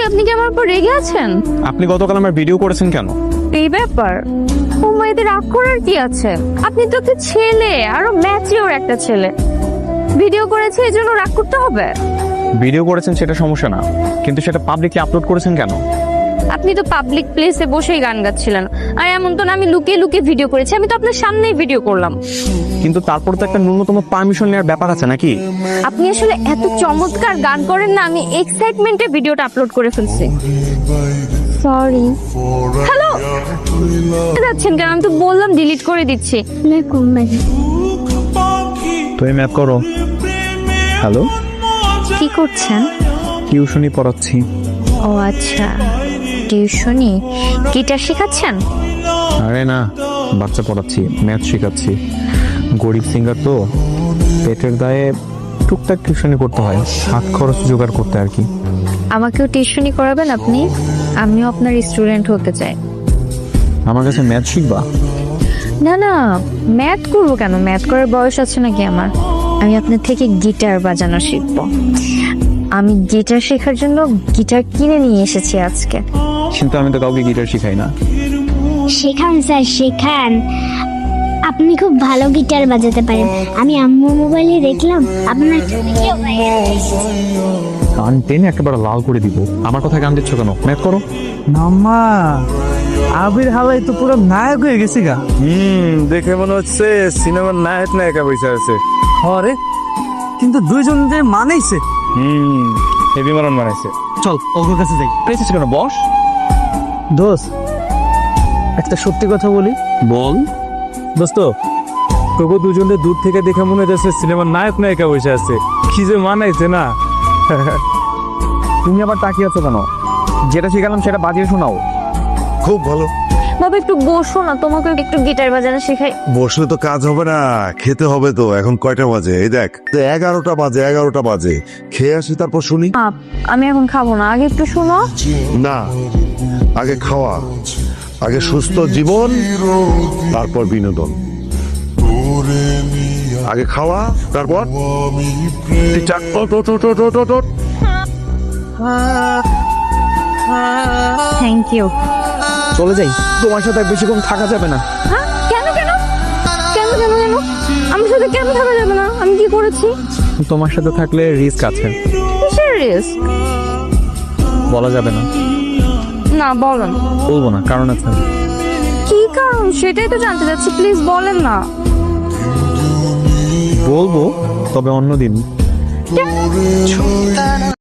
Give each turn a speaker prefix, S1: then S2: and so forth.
S1: আপনি কি আমার উপর রেগে আছেন?
S2: আপনি গতকাল আমার ভিডিও করেছেন কেন?
S1: এই ব্যাপার ও মাইদের রাগ করার কি আছে? আপনি তো একটা ছেলে, আরো ম্যাচিওর একটা ছেলে। ভিডিও করেছে এই জন্য রাগ করতে হবে?
S2: ভিডিও করেছেন সেটা সমস্যা না, কিন্তু সেটা পাবলিকলি আপলোড করেছেন কেন?
S1: আপনি তো পাবলিক প্লেসে বসেই গান গাচ্ছিলেন, আর এমন তো না আমি লুকিয়ে লুকিয়ে ভিডিও করেছি। আমি তো আপনার সামনেই ভিডিও করলাম।
S2: কিন্তু তারপর তো একটা ন্যূনতম পারমিশন নেওয়ার ব্যাপার আছে নাকি?
S1: আপনি আসলে এত চমৎকার গান করেন না, আমি এক্সাইটমেন্টে ভিডিওটা আপলোড করে ফেলছি। সরি। হ্যালো, যাচ্ছেন কেন? আমি তো বললাম ডিলিট করে দিচ্ছি।
S2: তুমি ম্যাপ করো। হ্যালো,
S1: কি করছেন?
S2: টিউশনি পড়াচ্ছি।
S1: ও আচ্ছা, টিউশনি। গিটার শেখাচ্ছেন?
S2: আরে না, বাচ্চা পড়াচ্ছি, ম্যাথ শেখাচ্ছি। গরিব সিঙ্গার তো, পেটের দায়ে টুকটাক টিউশনি করতে হয়, হাত খরচ জোগাড় করতে আর কি।
S1: আমাকেও টিউশনি করাবেন আপনি? আমিও আপনার স্টুডেন্ট হতে চাই।
S2: আমার কাছে ম্যাথ শিখবা?
S1: না না, ম্যাথ করবো কেন? ম্যাথ করার বয়স আছে নাকি আমার? আমি আপনার থেকে গিটার বাজানো শিখবো। আমি গিটার শেখার জন্য গিটার কিনে নিয়ে এসেছি আজকে।
S2: কিন্তু আমি তো কাউকে গিটার শিখাই না।
S3: শেখান স্যার, শেখান। আপনি খুব ভালো গিটার বাজাতে পারেন। আমি আম্মুর মোবাইলে দেখলাম আপনার একটা ভিডিও ভাইরাল হয়েছে।
S2: গান টেনে একেবারে লাল করে দিব। আমার কথা গান দিচ্ছ কেন? ম্যাথ করো।
S4: মাম্মা, আবির হালাই তো পুরো নায়ক হয়ে গেছে গা।
S5: দেখে মনে হচ্ছে সিনেমার নায়ক নায়িকা বসে আছে।
S4: হরে, কিন্তু দুইজন যে মানেইছে।
S5: হেভি মারন বানাইছে।
S4: চল ওর কাছে যাই।
S2: পেয়েছিস কেন? বস।
S4: দোস্ত, একটা সত্যি কথা বলি।
S2: বল।
S5: দোস্ত, তবু দুজনে দূর থেকে দেখে মনে হচ্ছে সিনেমার নায়ক নায়িকা বসে আছে। কি যে মানাইছে না।
S2: তুমি আবার তাকিয়ে আছো কেন? যেটা শিখালাম সেটা বাজিয়ে শোনাও।
S6: খুব ভালো।
S1: বাবা একটু বসো না, তোমাকে একটু গিটার বাজানো শেখাই।
S6: বসলে তো কাজ হবে না, খেতে হবে তো। এখন কয়টা বাজে? এই দেখ, 11টা বাজে, 11টা বাজে। খেয়ে আসি তারপর শুনি।
S1: আমি এখন খাবো না, আগে একটু শোনো।
S6: না, আগে খাওয়া, আগে সুস্থ জীবন, তারপর বিনোদন। আগে খাওয়া, তারপর ঠিকঠাক। ওঠ, ওঠ, ওঠ, ওঠ, ওঠ, ওঠ।
S1: Thank you.
S2: চলে যাই, তোমার সাথে বেশিক্ষণ থাকা যাবে না।
S1: হ্যাঁ, কেন কেন কেন কেন কেন আমার সাথে কেন থাকা যাবে না? আমি কি করেছি?
S2: তোমার সাথে থাকলে রিস্ক আছে।
S1: কিসের রিস্ক?
S2: বলা যাবে না।
S1: না বলেন।
S2: বলবো না, কারণ আছে।
S1: কি কারণ সেটাই তো জানতে চাচ্ছি, প্লিজ বলেন না।
S2: বলবো, তবে অন্যদিন।